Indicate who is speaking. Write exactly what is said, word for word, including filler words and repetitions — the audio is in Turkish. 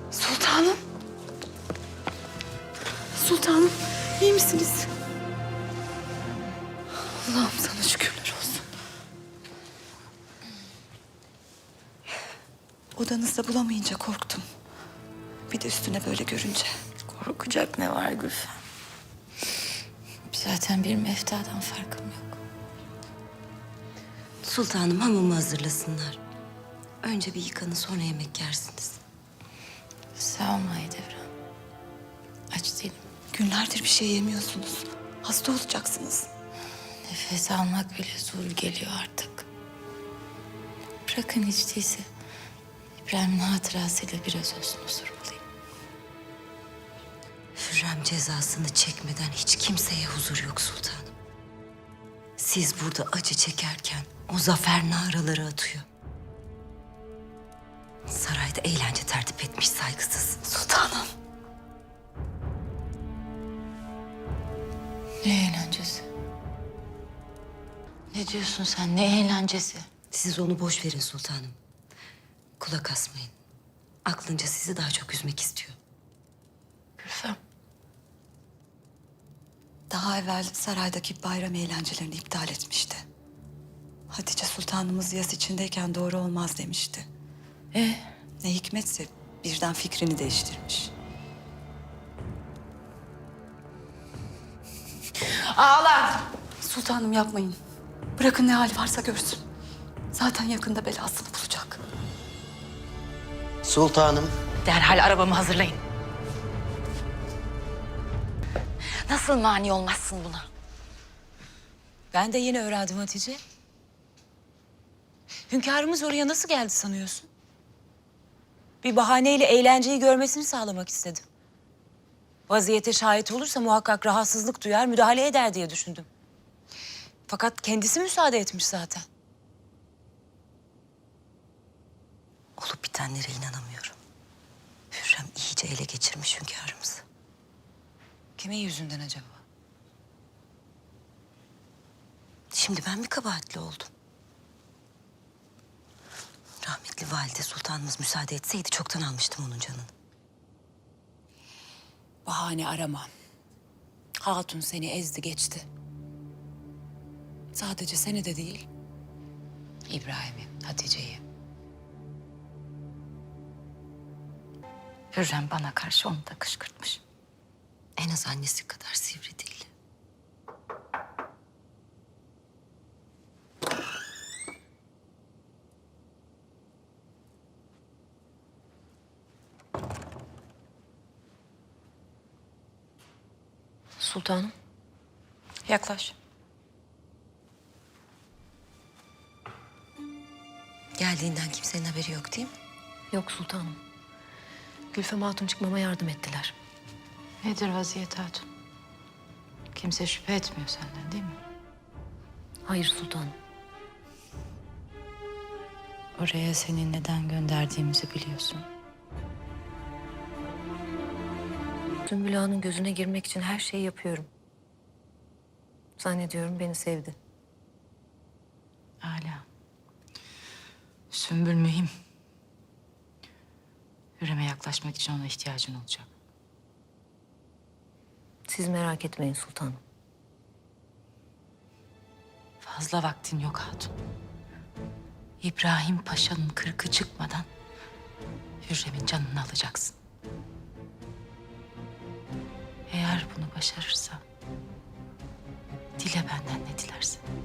Speaker 1: Sultanım. Sultanım, iyi misiniz? Allah'ım sana şükürler olsun. Odanızda bulamayınca korktum. Bir de üstüne böyle görünce.
Speaker 2: Korkacak ne var Gülfem? Zaten bir meftadan farkım yok.
Speaker 3: Sultanım hamamı hazırlasınlar. Önce bir yıkanın sonra yemek yersiniz.
Speaker 2: Sağ ol Mahidevran. Aç değilim.
Speaker 1: Günlerdir bir şey yemiyorsunuz. Hasta olacaksınız.
Speaker 2: Nefes almak bile zor geliyor artık. Bırakın hiç değilse İbrahim'in hatırasıyla biraz olsun huzur bulayım.
Speaker 3: Hürrem cezasını çekmeden hiç kimseye huzur yok sultanım. Siz burada acı çekerken o zafer naraları atıyor. Sarayda eğlence tertip etmiş saygısız.
Speaker 1: Sultanım.
Speaker 2: Ne eğlencesi? Ne diyorsun sen? Ne eğlencesi?
Speaker 3: Siz onu boş verin sultanım. Kulak asmayın. Aklınca sizi daha çok üzmek istiyor.
Speaker 2: Gülfem.
Speaker 1: Daha evvel saraydaki bayram eğlencelerini iptal etmişti. Hatice Sultanımız yas içindeyken doğru olmaz demişti.
Speaker 2: Ee?
Speaker 1: Ne hikmetse birden fikrini değiştirmiş.
Speaker 2: Ağlar!
Speaker 1: Sultanım yapmayın. Bırakın ne hali varsa görsün. Zaten yakında belasını bulacak.
Speaker 4: Sultanım,
Speaker 2: Derhal arabamı hazırlayın. Nasıl mani olmazsın buna?
Speaker 5: Ben de yeni öğrendim Hatice. Hünkârımız oraya nasıl geldi sanıyorsun? Bir bahaneyle eğlenceyi görmesini sağlamak istedim. Vaziyete şahit olursa muhakkak rahatsızlık duyar, müdahale eder diye düşündüm. Fakat kendisi müsaade etmiş zaten.
Speaker 3: Olup bitenlere inanamıyorum. Hürrem iyice ele geçirmiş hünkârımızı.
Speaker 5: Kimin yüzünden acaba?
Speaker 3: Şimdi ben mi kabahatli oldum? Rahmetli valide sultanımız müsaade etseydi çoktan almıştım onun canını.
Speaker 5: Bahane arama. Hatun seni ezdi geçti. Sadece seni de değil, İbrahim'i, Hatice'yi.
Speaker 2: Hürrem bana karşı onu da kışkırtmış.
Speaker 3: En az annesi kadar sivri değil.
Speaker 2: Sultanım. Yaklaş.
Speaker 3: Geldiğinden kimsenin haberi yok değil mi?
Speaker 6: Yok sultanım. Gülfem Hatun çıkmama yardım ettiler.
Speaker 2: Nedir vaziyet hatun? Kimse şüphe etmiyor senden değil mi?
Speaker 6: Hayır sultanım.
Speaker 2: Oraya seni neden gönderdiğimizi biliyorsun.
Speaker 6: Sümbül Ağa'nın gözüne girmek için her şeyi yapıyorum. Zannediyorum beni sevdi.
Speaker 2: Âlâ. Sümbül mühim. Hürrem'e yaklaşmak için ona ihtiyacın olacak.
Speaker 6: Siz merak etmeyin sultanım.
Speaker 2: Fazla vaktin yok hatun. İbrahim Paşa'nın kırkı çıkmadan Hürrem'in canını alacaksın. Eğer bunu başarırsa dile benden ne dilersen.